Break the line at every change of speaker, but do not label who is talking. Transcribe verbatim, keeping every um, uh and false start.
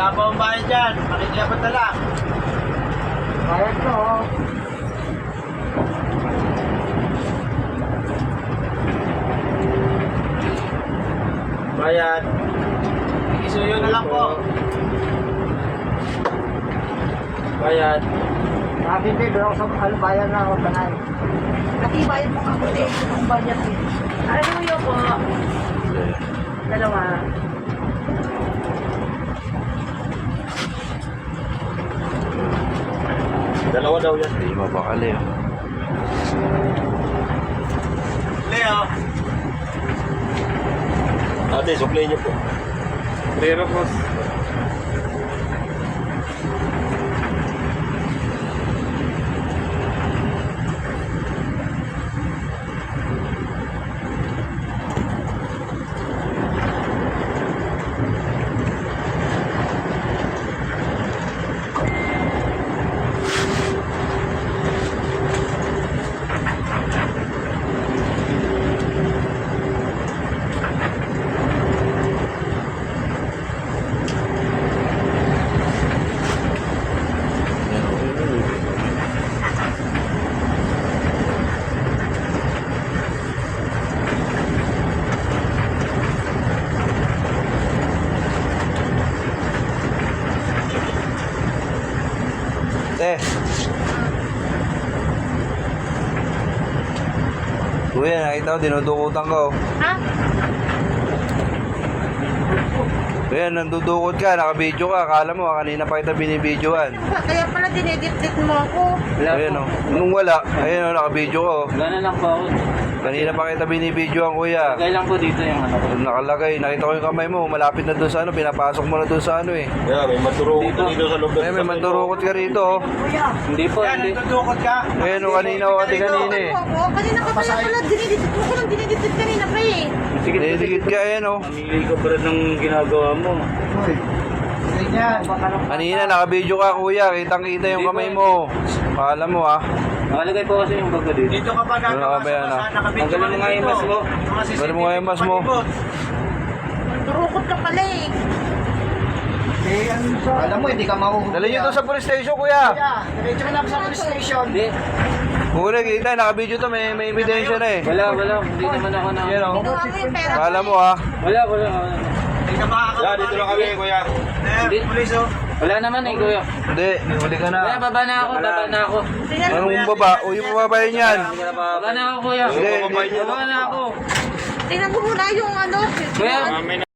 Wala pa ang bahay dyan. Makikiapat na lang.
Bayad ko.
Bayad. Isuyo na lang po. Bayad.
Sabi din, doon ako sa ano, bayan na ako tanay.
Natibayan mo nga po din ang budget eh. Ano yun po? Dalawa.
Dalawa daw yan.
Hindi mapakali. Oh.
Leo. Ate, supply niyo po. Pero po.
Eh. Kuya, nakita ko, dinudukutan ko.
Ha?
Kuya, nandudukot ka, nakabidyo ka. Akala mo, kanina pa kita binibidyoan.
Kaya pala dinedit-dit mo ako.
Ayan o. Nung wala, ayan o, nakabidyo ko.
Wala na lang po ako.
Kanina pa kita binibidyoan, kuya.
Lagay lang po dito yung ano ko.
Nakalagay, nakita ko yung kamay mo, malapit na doon sa ano, pinapasok mo na doon sa ano eh.
Yeah, may mandurukot
Dito.
dito sa loob.
Ay, may mandurukot ka rito. Oh.
Hindi po,
Yan,
hindi.
nagdudukot ka.
Ayan o, kanina o, ati kanina eh.
Ako, kanina ka pala pala dinedit mo ko lang dinedit kanina pa eh.
Sige,
Didikit ka, ayan o.
Mamili ka pa rin ng ginagawa mo.
Uy. Ganyan.
Kanina, nakabidyo ka, kuya. Kitang-kita yung kamay mo. Akala mo ah.
Nakalagay po kasi yung bago dito.
Dito ka pa
Ano
gagawa
ka ba yan,
sa
ah?
nakabidyo
Tanggalin mo nga yung mas mo.
Tanggalin mo nga yung mas mo.
Turukot ka pala eh.
Eh, ano sa... Alam mo, hindi ka mahuhuli.
Dali nyo to sa police station, kuya.
Kuya, diretso ka na sa police station.
Hindi.
Kuya, kita, nakabidyo to. May, may ebidensya na eh.
Wala, wala. Hindi naman ako na.
Yan o.
Ginawa mo yung pera
Akala
ko
mo ah.
Wala, wala. wala.
Hindi ka makakabalik.
dito lang kami, kuya.
Hindi.
Eh, pulis oh.
Wala naman eh, kuya.
Hindi, huli ka na.
Kuya, baba na ako, baba na ako.
eh.
Anong baba? Uy, bababayin yan.
Baba na ako, kuya.
Hindi, hindi.
Baba na ako.
Tingnan mo muna yung ano.
Kuya,